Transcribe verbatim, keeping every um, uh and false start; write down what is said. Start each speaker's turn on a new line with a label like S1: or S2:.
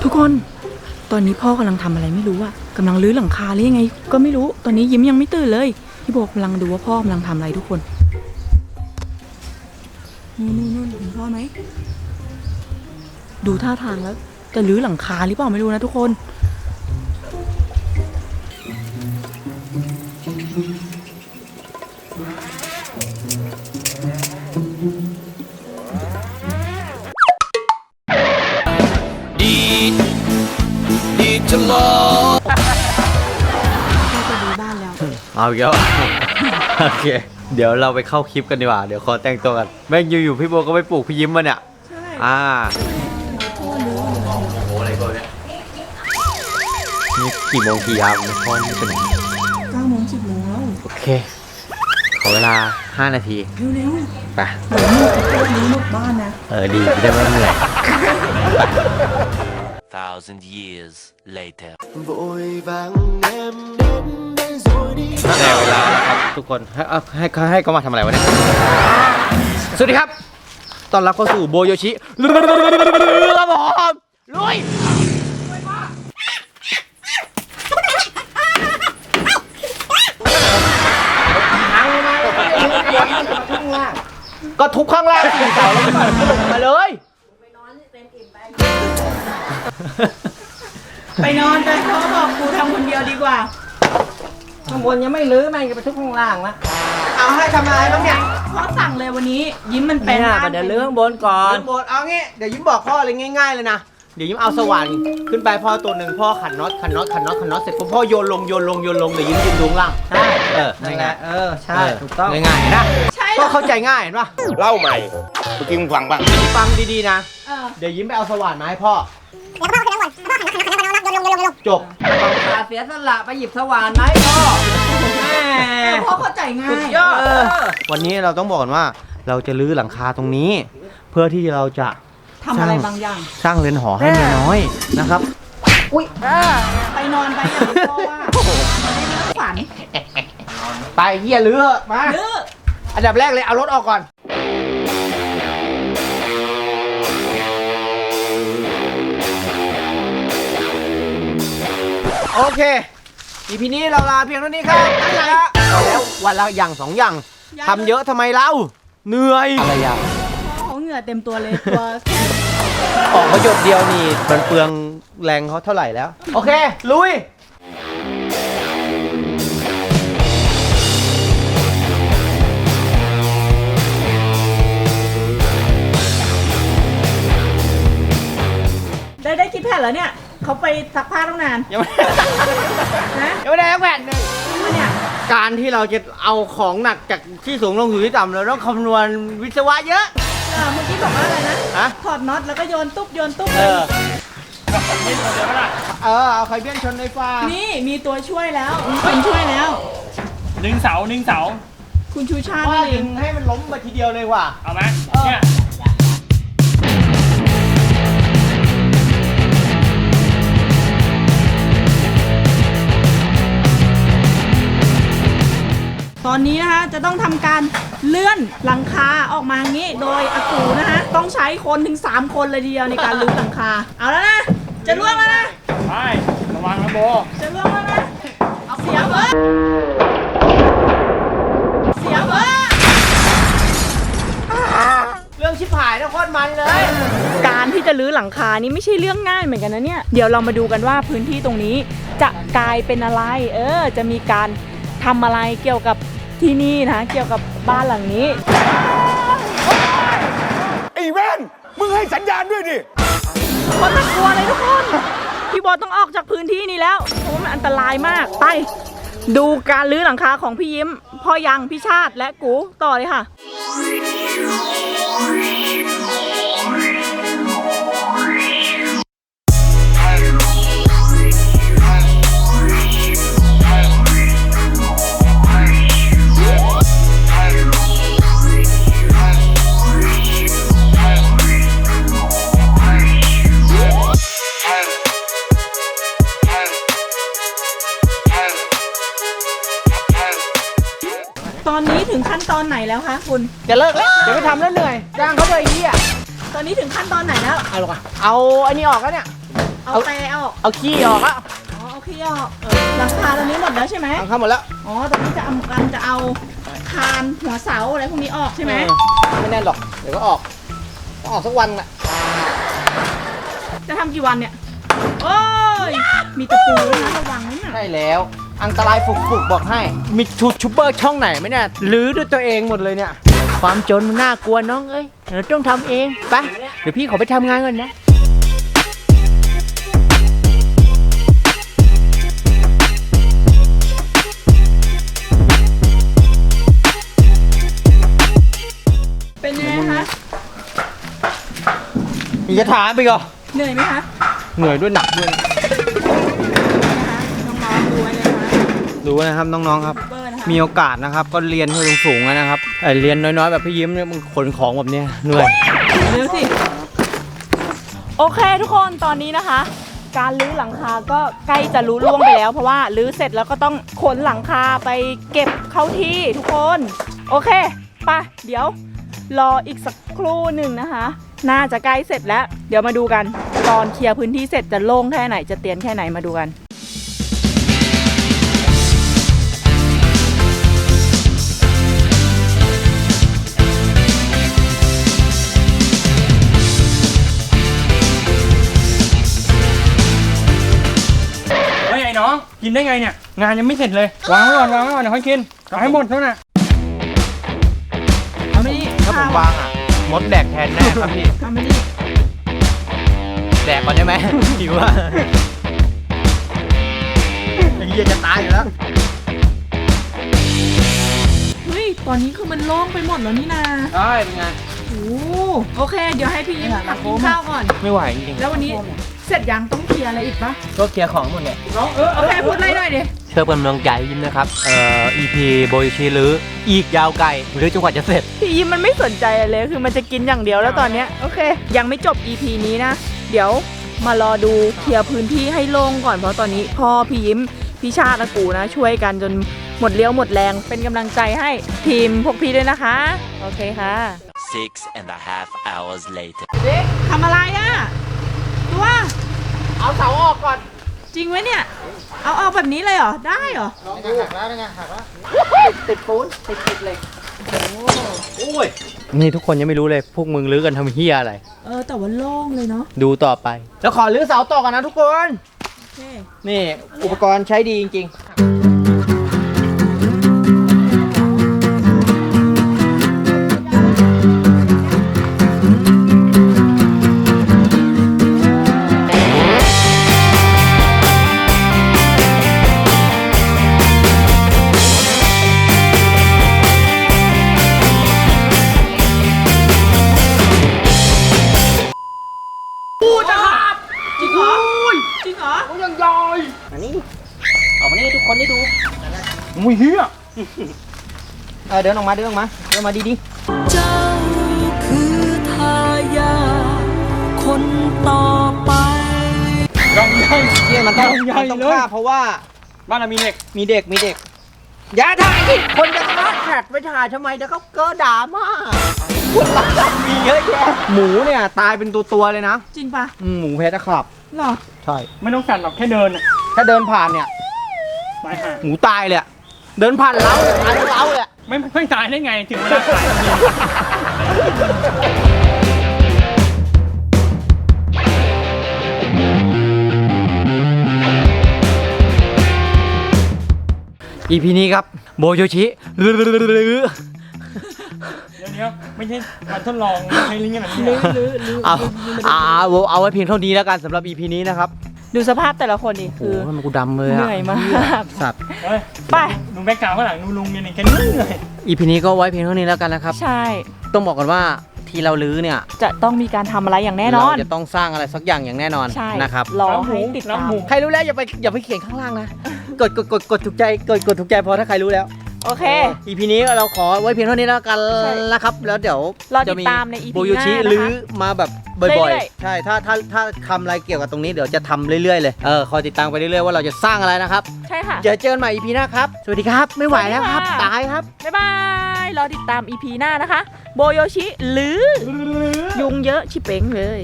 S1: ทุกคนตอนนี้พ่อกำลังทำอะไรไม่รู้อะกำลังรื้อหลังคาหรือยังไงก็ไม่รู้ตอนนี้ยิ้มยังไม่ตื่นเลยพี่โบกำลังดูว่าพ่อกำลังทำอะไรทุกคนนู่นนู่นนู่นเห็นพ่อไหมดูท่าทางแล้วจะรื้อหลังคาหรือเปล่าไม่รู้นะทุกคน
S2: ดีดีจะรอ
S1: พ่อจะดูบ้านแล้ว
S3: เอาอีกแล้ว โอเคเดี๋ยวเราไปเข้าคลิปกันดีกว่าเดี๋ยวขอแต่งตัวกันแม่งอยู่ๆพี่โบก็ไปปลูกพี่ยิ้มมาเนี่ย
S1: ใช่
S3: อ่า
S1: พ่อรู้
S3: โอ้โหอะไรก็เนี่ยนี่กี่โมงกี่ยามพ่อนี่เป็น
S1: เก้าโมงสิบโมงแล้ว
S3: โอเคขอเวลาห้านาที
S1: เร็ว
S3: ๆไป
S1: เดี๋ยวมืดจะพูดนี้หมดบ้านนะ
S3: เออดีจะได้ไม่เหนื่อย
S2: thousand years later
S3: ได้เวลาแล้วครับทุกคนให้ให้ให้เขามาทำอะไรวะเนี่ยสวัสดีครับตอนรับเข้าสู่โบโยชิครับผมลุยก็ทุบข้างล่างสี่เสาแล้วมันลงมาเลย
S1: ไปนอนไปพ่อบอกกูทำคนเดียวดีกว่า
S4: ข้างบนยังไม่ลื้อแม่งจะไปทุบข้างล่างนะ
S1: เอาให้ทำอะไรบ้างเนี่ยพ่อสั่งเลยวันนี้ยิ้มมันเป็น
S4: เนี่ยเดี๋ยวลื้อข้างบนก่อน
S3: ข้างบนเอางี้เดี๋ยวยิ้มบอกพ่อเลยง่ายๆเลยนะเดี๋ยวยิ้มเอาสว่านขึ้นไปพ่อตัวหนึ่งพ่อขันน็อตขันน็อตขันน็อตขันน็อตเสร็จพ่อโยนลงโยนลงโยนลงเดี๋ยวยิ้มยืนดูล่าง
S4: ใช่
S3: เออ
S4: นั่นแหละเออใช่ถูกต้อง
S3: ง่ายๆนะก็เข้าใจง่ายเห็นปะ
S2: เล่าใหม่เมื่อกี้มึงฟังบ้าง
S3: ฟังดีๆนะเดี๋ยวยิ้มไปเอาสว่านมาให้พ่อจบ
S4: ต้องตาเสียสละไปหยิบสว่านไหมพ่อ
S1: พ่อเข้าใจง่าย
S3: วันนี้เราต้องบอกกันว่าเราจะรื้อหลังคาตรงนี้เพื่อที่เราจะ
S1: ทำอะไรบางอย่าง
S3: สร้างเรือนหอให้เมียน้อยนะครับ
S1: อุ้ยไปนอนไปอย่างพ่อว่าไม่ได้ฝัน
S3: ไปเฮียรื้อมา
S1: รื้อ
S3: อันดับแรกเลยเอารถออกก่อนโอเค อีพีนี้เราลาเพียงเท่านี้ครับแล้ววันละอย่างสองอย่างทำเยอะทำไมเล่าเหนื่อยอะไรอย่าง
S1: เขาเหงื่อเต็มตัวเลยตัว
S3: ออกมาหยดเดียวนี่มันเปลืองแรงเขาเท่าไหร่แล้วโอเคลุย
S1: ได้ได้คิดแผนแล้วเนี่ยเขาไปซักผ้าตั้งนาน
S3: ยังไม่นะยังไม่ได้แผนเลย
S1: เนี่ย
S3: การที่เราจะเอาของหนักจากที่สูงลงสู่ที่ต่ำเราต้องคำนวณวิศวะเยอะ
S1: เออเมื่อกี้บอกว่าอะไรนะถอดน็อตแล้วก็โยนตุ๊บโยนตุ๊บ
S3: เออเออเอาไข่เบี้ยนชนในฟ้า
S1: นี่มีตัวช่วยแล้วมีคนช่วยแล้ว
S5: หนึ่งเสาหนึ่งเสา
S1: คุณชูชาติ
S3: ดึงให้มันล้มมาทีเดียวเลยว่ะ
S5: เอาไหมเนี่ย
S1: ตอนนี้นะคะจะต้องทำการเลื่อนหลังคาออกมางี้โดยอากูนะคะต้องใช้คนถึงสามคนเลยทีเดียวในการลื้อหลังคาเอาแล้วนะจะล่วงแล้วนะ
S5: ไประวังนะโบ
S1: จะล่วงแล้วนะเสียเบอร์เสียเบอร์
S3: เรื่องชิบหายนะโคตรมันเลย
S1: การที่จะรื้อหลังคานี่ไม่ใช่เรื่องง่ายเหมือนกันนะเนี่ยเดี๋ยวเรามาดูกันว่าพื้นที่ตรงนี้จะกลายเป็นอะไรเออจะมีการทำอะไรเกี่ยวกับที่นี่นะเกี่ยวกับบ้านหลังนี้
S2: ไอ้แว่นมึงให้สัญญาณด้วยดิ
S1: คนน่ากลัวเลยทุกคนพี่บอลต้องออกจากพื้นที่นี้แล้วเพราะมันอันตรายมากไปดูการรื้อหลังคาของพี่ยิ้มพ่อยังพี่ชาติและกูต่อเลยค่ะตอนนี้ถึงขั้นตอนไหนแล้วคะคุณ
S3: จะเลิกแล้วจะไม่ทำแล้วเหนื่อยจ้างเขาเลยไอ้เหี้ย
S1: ตอนนี้ถึงขั้นตอนไหนแล้ว
S3: เอาหรอเอาอันนี้ออกแล้วเนี่ย
S1: เอาแต่ออก
S3: เอาขี้ออกอะ
S1: อ๋อเอาขี้ออกหลังคาตรงนี้หมดแล้วใช่ไหม
S3: ทำข้าวหมดแล้ว
S1: อ๋อตรงนี้จะเอากันจะเอาคานหัวเสาอะไรพวกนี้ออกใช่ไหม
S3: เออไม่แน่นหรอกเดี๋ยวก็ออกต้องออกสักวันแหละ
S1: จะทำกี่วันเนี่ยโอ้ยมีตะปูด้วยนะระวังนะเนี่ย
S3: ใช่แล้วอันตรายฝุกๆบอกให้ มีชูชูเบอร์ช่องไหนไหมเนี่ยรื้อด้วยตัวเองหมดเลยเนี่ย ความจนมันน่ากลัวน้องเอ้ยเราต้องทำเองไปเดี๋ยวพี่ขอไปทำงานก่อนนะ
S1: เป็นไงคะ
S3: มีจะถามไปก่อน
S1: เหนื่อยไหมคะ
S3: เหนื่อยด้วยหนักด้วย
S1: นะคะน้องๆดูไว้เลยนะคะ
S3: ดูนะครับน้องๆครับ
S1: ยูทูบเบอร์นะคะ
S3: มีโอกาสนะครับก็เรียนให้สูงๆนะครับไอ้เรียนน้อยๆแบบพี่ยิ้มเนี่ยมึงขนของแบบเนี้ยเหนื่อย
S1: เร็วสิโอเคทุกคนตอนนี้นะคะ การรื้อหลังคาก็ใกล้จะรู้ล่วงไปแล้ว เพราะว่ารื้อเสร็จแล้วก็ต้องขนหลังคาไปเก็บเข้าที่ทุกคนโอเคไปเดี๋ยวรออีกสักครู่หนึ่งนะคะ น่าจะใกล้เสร็จแล้ว เดี๋ยวมาดูกัน ตอนเคลียร์พื้นที่เสร็จจะโล่งแค่ไหนจะเตียนแค่ไหนมาดูกัน
S5: เฮ้ยไอ้น้องกินได้ไงเนี่ยงานยังไม่เสร็จเลยวางไว้ก่อนวางไว้ก่อนเดี๋ยวค่อยกินเอาให้หมดเท่านั้น
S1: เอาไม่ดี
S3: ถ้าผมวางอ่ะมดแดกแทนแน่ครับพี่
S1: เอาไม่ดี
S3: แดกก่อนได้ไหม หิวอ่ะไอ้เหี้ยจะตายอยู่แล้ว
S1: เฮ้ยตอนนี้คือมันโล่งไปหมดแล้วนี่นา
S3: ได้เป็นไง
S1: โอ้โอเค เดี๋ยวให้พี่ยิ้มทำกินข้าวก่อน
S3: ไม่ไหวจริง
S1: แล้ววันนี้เสร็จยังต้องเคลียร์อะไรอีกปะ
S3: ๆก็เคลียร์ของหมดเนี่ย
S5: น้องเออ
S1: โอเคพูดอะไรหน่อยดิ
S3: เชื่อเป็นกำลังใจยิ้มนะครับเอ่อ อี พี โบยชีหรืออีกยาวไกลหรือจนกว่าจะเสร็จ
S1: พี่ยิ้มมันไม่สนใจอะไรเลยคือมันจะกินอย่างเดียวแล้วตอนเนี้ยโอเค ยังไม่จบ อี พี นี้นะ เดี๋ยวมารอดูเคลียร์พื้นที่ให้โล่งก่อนเพราะตอนนี้พ่อพี่ยิ้มพี่ชาติอากูนะ ช่วยกันจนหมดเลี้ยวหมดแรงเป็นกำลังใจให้ทีมพวกพี่ด้วยนะคะโอเคค่ะ
S2: Six and a half hours later.
S1: ทำอะไรอ่ะตัว
S3: เอาเสาออกก่อน
S1: จริงไหมเนี่ยเอาเอาแบบนี้เลยเหรอได้เหรอ
S3: ลองดูหักแล้วไงหักแล้วติดปูนติดติดเหล็กโอ้ยนี่ทุกคนยังไม่รู้เลยพวกมึงลื้อกันทำเฮียอะไร
S1: เออแต่ว่าโล่งเลยเนาะ
S3: ดูต่อไป แล้วขอลื้อเสาต่อกันนะทุกคน
S1: โอเค
S3: นี่อุปกรณ์ใช้ดีจริง
S1: พูดนะครับจริงเหรอจริงเหรอ
S3: ๆยังยอยอันนี้ออกมานี่ทุกคนได้ดู
S5: มุ้ยเฮีย
S3: เออเดินออกมาเดินออกมาเดินมาดี
S6: เจ้าคือทายาทคนต่อไป
S5: ยังยัง
S3: ๆเนี่ยมันต้อง
S5: ใหญ่
S3: มันต้อง
S5: เลย
S3: ฆ่าเพราะว่า
S5: บ้านเรามีเหล็ก
S3: มีเด็กมีเด็ก อย่าถ่ายดิคนจะมาแขกไปถ่ายทำไมเดี๋ยวเขาเกิดด่ามาคนรักกันมีเยอะแยะหมูเนี่ยตายเป็นตัวตัวๆเลยนะ
S1: จริงปะ
S3: อืมหมูเพชรนะครับ
S1: เหรอ
S3: ใช่
S5: ไม่ต้องสั่นหรอกแค่เดินน่ะ
S3: ถ้าเดินผ่านเนี่ย
S5: ตายห่า
S3: หมูตายเลยอะเดินผ่านเล้าเนี่ยตายทั้งเล้าเลยอะ
S5: ไม่ไม่ตายได้ไงถึงเวลาตายจริง
S3: อีพีนี้ครับโบโยชิหรือ
S5: เดี๋ยวเดี๋ยวไม่ใช่การทดลองไม่ใช่ลิงก์ขนาดนี้
S1: ลื้อ
S5: อะ
S1: ลื้อลื้อ
S3: เอาเอาเอาเอาไว้เพียงเท่านี้แล้วกันสำหรับอีพีนี้นะครับ
S1: ดูสภาพแต่ละคนดิ
S3: โอ้
S1: คือ
S3: โหมันกูดำเลย
S1: เห
S3: อะ
S1: นื่อยมาก
S3: สัตว์
S5: เฮ้ย
S1: ไป
S5: ดูแบ็กกราวด์ข้างหลังดูลุงเนี่ยนี่แกเหนื่อย
S3: อีพีนี้ก็ไว้เพียงเท่านี้แล้วกันนะครับ
S1: ใช่
S3: ต้องบอกก่อนว่าที่เราลื้อเนี่ย
S1: จะต้องมีการทำอะไรอย่างแน่นอน
S3: เราจะต้องสร้างอะไรสักอย่างอย่างแน่นอน
S1: ใช่
S3: นะครับ
S1: รอให้ติดตาม
S5: น้ำหมู
S3: ใครรู้แล้วอย่าไปอย่าไปเขียนข้างล่างนะ กดกดกดกดถูกใจกดกดถูกใจพอถ้าใครรู้แล้ว
S1: โอเค
S3: อีพีนี้เราขอไว้เพียงเท่านี้แล้วกัน
S1: ใช่
S3: นะครับ แล้วเดี๋ยว
S1: รอติดตามใน อี พี
S3: โบโยชิ
S1: หน้านะคะ
S3: ลื้อมาแบบบ่อย
S1: เรื่อย
S3: ๆ ใช่ถ้าถ้าถ้าทำอะไรเกี่ยวกับตรงนี้เดี๋ยวจะทำเรื่อยๆเลยเออคอยติดตามไปเรื่อยๆว่าเราจะสร้างอะไรนะครับ
S1: ใช่ค่ะ
S3: เดี๋ยวเจอกันใหม่อีพีหน้าครับสวัสดีครับไม่ไหวแล้วครับ
S1: สวัสดีค่ะ
S3: ตายครับ
S1: บ๊ายบาย รอติดตาม อี พี หน้านะคะ โบโยชิหรือ ยุงเยอะชิเป้งเลย